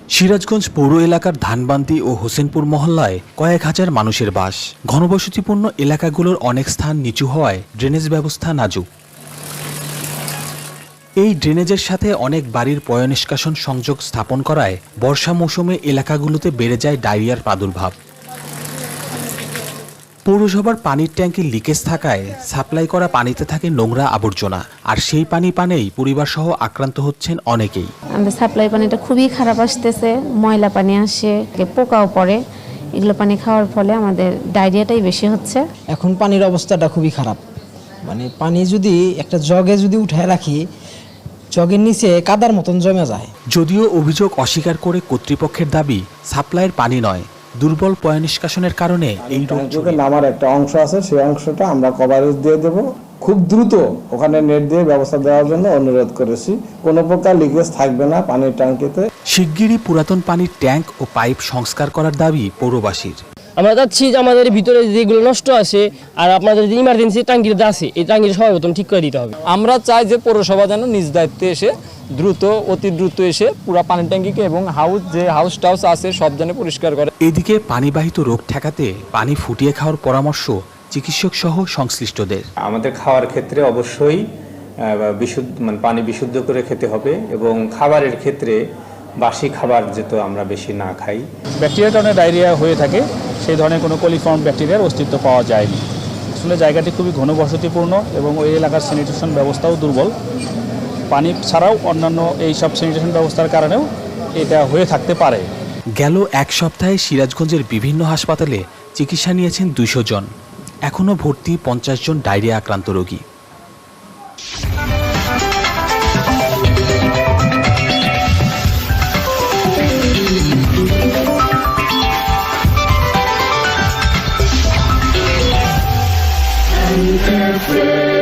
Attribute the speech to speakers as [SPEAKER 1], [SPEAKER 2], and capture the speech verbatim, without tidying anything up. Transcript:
[SPEAKER 1] সিরাজগঞ্জ পৌর এলাকার ধানবান্দি ও হোসেনপুর মহল্লায় কয়েক হাজার মানুষের বাস। ঘনবসতিপূর্ণ এলাকাগুলোর অনেক স্থান নিচু হওয়ায় ড্রেনেজ ব্যবস্থা নাজুক। এই ড্রেনেজের সাথে অনেক বাড়ির পয়ঃনিষ্কাশন সংযোগ স্থাপন করায় বর্ষা মৌসুমে এলাকাগুলোতে বেড়ে যায় ডায়রিয়ার প্রাদুর্ভাব। পৌরসভার পানির ট্যাঙ্কে লিকেজ থাকায় সাপ্লাই করা পানিতে থাকে নোংরা আবর্জনা, আর সেই পানি পানেই পরিবারসহ আক্রান্ত হচ্ছেন অনেকেই।
[SPEAKER 2] আমাদের সাপ্লাই পানিটা খুবই খারাপ আসতেছে, ময়লা পানি আসে, পোকাও পড়ে। এগুলো পানি খাওয়ার ফলে আমাদের ডায়রিয়াটাই বেশি হচ্ছে।
[SPEAKER 3] এখন পানির অবস্থাটা খুবই খারাপ, মানে পানি যদি একটা জগে যদি উঠায় রাখি, জগের নিচে কাদার মতন জমে যায়।
[SPEAKER 1] যদিও অভিযোগ অস্বীকার করে কর্তৃপক্ষের দাবি সাপ্লাইয়ের পানি নয়, দুর্বল পয়ঃনিষ্কাশনের কারণে এই
[SPEAKER 4] রোগের নামার একটা অংশ আছে, সেই অংশটা আমরা কভারেজ দিয়ে দেব। খুব দ্রুত ওখানে নেট দিয়ে ব্যবস্থা দেওয়ার জন্য অনুরোধ করেছি। কোনো প্রকার লিকেজ থাকবে না পানির ট্যাঙ্কিতে।
[SPEAKER 1] শিগগিরই পুরাতন পানির ট্যাঙ্ক ও পাইপ সংস্কার করার দাবি পৌরবাসীর।
[SPEAKER 5] আমরা চাচ্ছি যে আমাদের ভিতরে যেগুলো নষ্ট আছে আর আপনাদের যে ইমার্জেন্সি ট্যাঙ্কিটা আছে, এই ট্যাঙ্কিটা সর্বপ্রথম ঠিক করে দিতে হবে।
[SPEAKER 6] আমরা চাই যে পৌরসভা যেন নিজ দায়িত্বে এসে দ্রুত অতি দ্রুত এসে পুরো পানির ট্যাঙ্কিকে এবং হাউস যে হাউস টাউস আছে সব যেন পরিষ্কার করে।
[SPEAKER 1] এদিকে পানিবাহিত রোগ ঠেকাতে পানি ফুটিয়ে খাওয়ার পরামর্শ চিকিৎসক সহ সংশ্লিষ্টদের।
[SPEAKER 7] আমাদের খাওয়ার ক্ষেত্রে অবশ্যই বিশুদ্ধ মানে পানি বিশুদ্ধ করে খেতে হবে, এবং খাবারের ক্ষেত্রে বাসি খাবার যেহেতু আমরা বেশি না খাই।
[SPEAKER 8] ব্যাকটেরিয়ার কারণে ডায়রিয়া হয়ে থাকে, সেই ধরনের কোনো কলিফর্ম ব্যাকটেরিয়ার অস্তিত্ব পাওয়া যায়নি। আসলে জায়গাটি খুবই ঘনবসতিপূর্ণ এবং ওই এলাকার স্যানিটেশন ব্যবস্থাও দুর্বল। পানি ছাড়াও অন্যান্য এই সব স্যানিটেশন ব্যবস্থার কারণেও এটা হয়ে থাকতে পারে।
[SPEAKER 1] গেল এক সপ্তাহে সিরাজগঞ্জের বিভিন্ন হাসপাতালে চিকিৎসা নিয়েছেন দুইশো জন। এখনও ভর্তি পঞ্চাশ জন ডায়রিয়া আক্রান্ত রোগী।
[SPEAKER 9] Perfect.